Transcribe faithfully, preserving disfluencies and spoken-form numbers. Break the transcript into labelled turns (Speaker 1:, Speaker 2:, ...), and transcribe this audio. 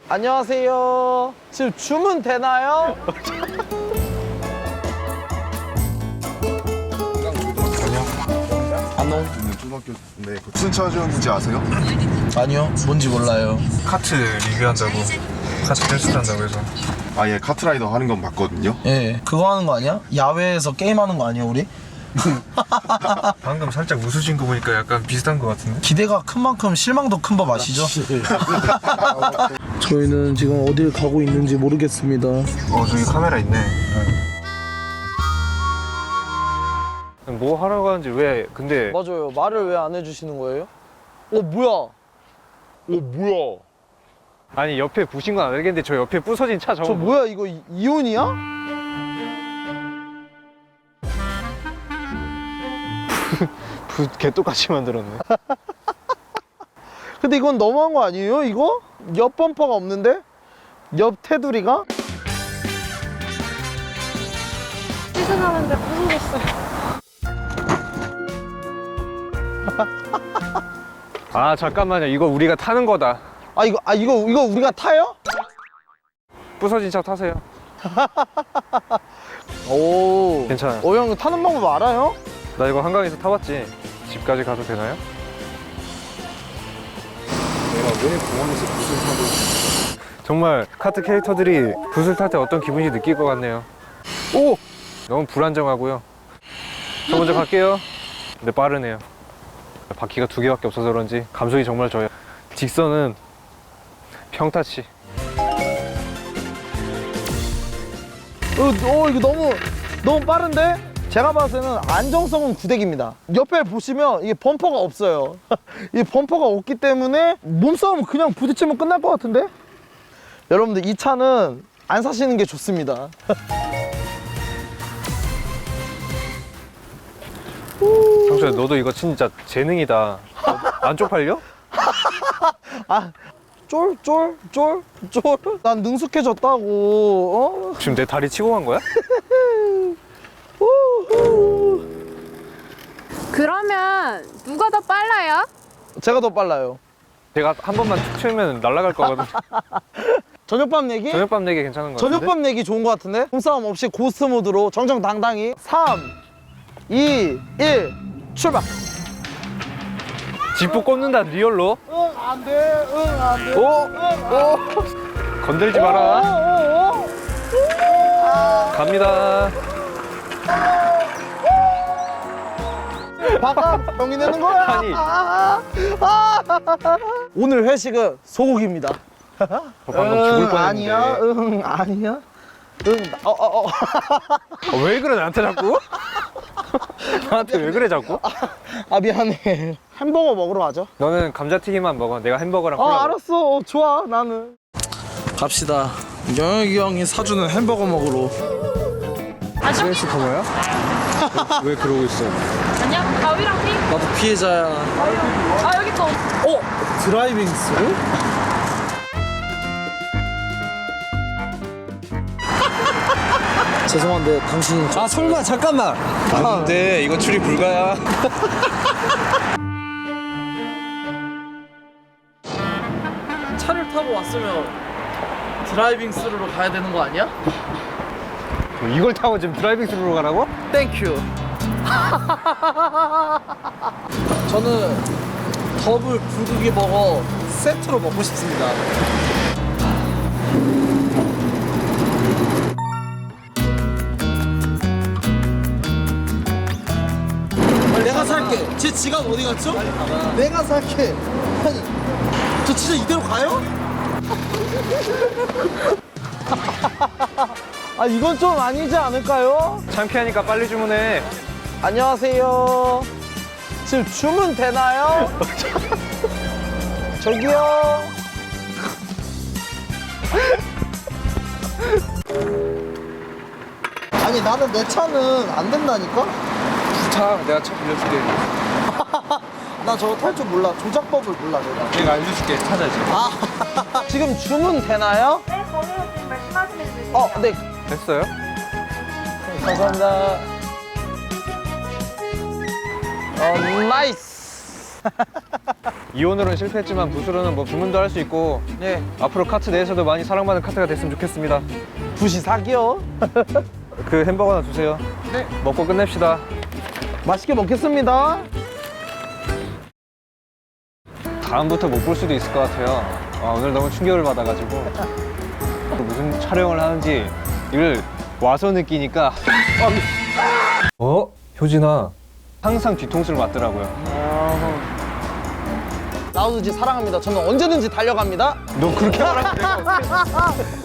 Speaker 1: 안녕하세요. 지금 주문 되나요? 안녕.
Speaker 2: 네, 초등학교 네, 그 무슨 차주였는지 아세요?
Speaker 1: 아니요, 뭔지 몰라요.
Speaker 3: 카트 리뷰한다고 카트 테스트 한다고 해서
Speaker 2: 아예 카트라이더 하는 건 맞거든요.
Speaker 1: 예, 그거 하는 거 아니야? 야외에서 게임하는 거 아니야, 우리?
Speaker 3: 방금 살짝 웃으신 거 보니까 약간 비슷한 거 같은데?
Speaker 1: 기대가 큰 만큼 실망도 큰 법 아시죠? 저희는 지금 어딜 가고 있는지 모르겠습니다.
Speaker 3: 어 저기 카메라 있네. 뭐 하러 가는지 왜 근데
Speaker 1: 맞아요. 말을 왜 안 해주시는 거예요? 어, 뭐야? 어, 뭐야?
Speaker 3: 아니 옆에 부신 건 알겠는데 저 옆에 부서진 차 저거
Speaker 1: 저 뭐야, 이거 이, 이온이야?
Speaker 3: 부 개똑같이 만들었네.
Speaker 1: 근데 이건 너무한 거 아니에요, 이거? 옆 범퍼가 없는데? 옆 테두리가?
Speaker 4: 시승하는데 부서졌어요.
Speaker 3: 아 잠깐만요, 이거 우리가 타는 거다.
Speaker 1: 아, 이거, 아, 이거, 이거 우리가 타요?
Speaker 3: 부서진 차 타세요.
Speaker 1: 오.
Speaker 3: 괜찮아요.
Speaker 1: 어, 형, 타는 방법 알아요?
Speaker 3: 나 이거 한강에서 타봤지. 집까지 가도 되나요?
Speaker 2: 내가 왜 공항에서 무슨 차를
Speaker 3: 정말 카트 캐릭터들이 붓을 탈 때 어떤 기분인지 느낄 것 같네요. 오! 너무 불안정하고요. 저 먼저 갈게요. 근데 빠르네요. 바퀴가 두 개밖에 없어서 그런지 감속이 정말 좋아요. 직선은 평타치.
Speaker 1: 어, 어, 이거 너무, 너무 빠른데? 제가 봤을 때는 안정성은 구대기입니다. 옆에 보시면 이게 범퍼가 없어요. 이 범퍼가 없기 때문에 몸싸움 그냥 부딪히면 끝날 것 같은데? 여러분들, 이 차는 안 사시는 게 좋습니다.
Speaker 3: 상수야, 너도 이거 진짜 재능이다. 안 쪽팔려?
Speaker 1: 아, 쫄, 쫄, 쫄, 쫄. 난 능숙해졌다고. 어?
Speaker 3: 지금 내 다리 치고 간 거야?
Speaker 1: 우후.
Speaker 4: 그러면 누가 더 빨라요?
Speaker 1: 제가 더 빨라요.
Speaker 3: 제가 한 번만 툭 치우면 날아갈 거거든.
Speaker 1: 저녁밥 내기?
Speaker 3: 저녁밥 내기 괜찮은 거 같은데?
Speaker 1: 저녁밥 내기 좋은 것 같은데? 몸싸움 없이 고스트 모드로 정정당당히 삼, 이, 일, 출발!
Speaker 3: 지프 꽂는다, 리얼로.
Speaker 1: 응, 안 돼, 응, 안 돼.
Speaker 3: 오!
Speaker 1: 오!
Speaker 3: 건들지 마라.
Speaker 1: 오, 오, 오.
Speaker 3: 갑니다.
Speaker 1: 바깥 병이 내는 거야.
Speaker 3: 아니.
Speaker 1: 아, 아, 아. 오늘 회식은 소고기입니다.
Speaker 3: 저 방금 죽을 뻔했는데.
Speaker 1: 아니야, 응, 아니야. 응, 어, 어, 어.
Speaker 3: 어, 왜 그래 나한테 자꾸? 나한테 왜 그래 자꾸?
Speaker 1: 아, 미안해. 햄버거 먹으러 가죠.
Speaker 3: 너는 감자튀김만 먹어. 내가 햄버거랑 콜라.
Speaker 1: 아, 알았어. 어, 좋아, 나는. 갑시다. 영혁이 형이 사주는 햄버거 먹으러.
Speaker 3: 스트레스 커버야? 왜, 왜 그러고 있어?
Speaker 4: 아니야, 가위랑 핑.
Speaker 1: 나도 피해자야.
Speaker 4: 아, 여기 또.
Speaker 1: 어? 드라이빙 스루? 죄송한데 당신이
Speaker 3: 아 설마 잠깐만. 안돼, 이거 출입 불가야.
Speaker 1: 차를 타고 왔으면 드라이빙 스루로 가야 되는 거 아니야?
Speaker 3: 이걸 타고 지금 드라이빙 스루로 가라고?
Speaker 1: 땡큐. 저는 더블 불고기 버거 세트로 먹고 싶습니다. 내가 살게. 제 지갑 어디 갔죠? 내가 살게. 아니, 저 진짜 이대로 가요? 아, 이건 좀 아니지 않을까요?
Speaker 3: 창피하니까 빨리 주문해.
Speaker 1: 안녕하세요. 지금 주문 되나요? 저기요. 아니, 나는 내 차는 안 된다니까?
Speaker 3: 차, 내가 차 빌려줄게.
Speaker 1: 나 저거 탈 줄 몰라. 조작법을 몰라, 내가.
Speaker 3: 내가 알려줄게. 찾아지.
Speaker 1: 아, 지금 주문 되나요?
Speaker 4: 네, 번호로 지금 말씀하시면 되세요.
Speaker 1: 어, 네.
Speaker 3: 됐어요?
Speaker 1: 감사합니다. 어, 나이스.
Speaker 3: 이온으로는 실패했지만 붓으로는 뭐 주문도 할 수 있고
Speaker 1: 네.
Speaker 3: 앞으로 카트 내에서도 많이 사랑받는 카트가 됐으면 좋겠습니다.
Speaker 1: 붓이 사기요.
Speaker 3: 그 햄버거 하나 주세요.
Speaker 1: 네.
Speaker 3: 먹고 끝냅시다.
Speaker 1: 맛있게 먹겠습니다.
Speaker 3: 다음부터 못 볼 수도 있을 것 같아요. 아, 오늘 너무 충격을 받아가지고 또 무슨 촬영을 하는지 이걸 와서 느끼니까 어? 효진아 항상 뒤통수를 맞더라고요.
Speaker 1: 라우드지 사랑합니다. 저는 언제든지 달려갑니다.
Speaker 3: 너 그렇게 말하면 내가 어떻게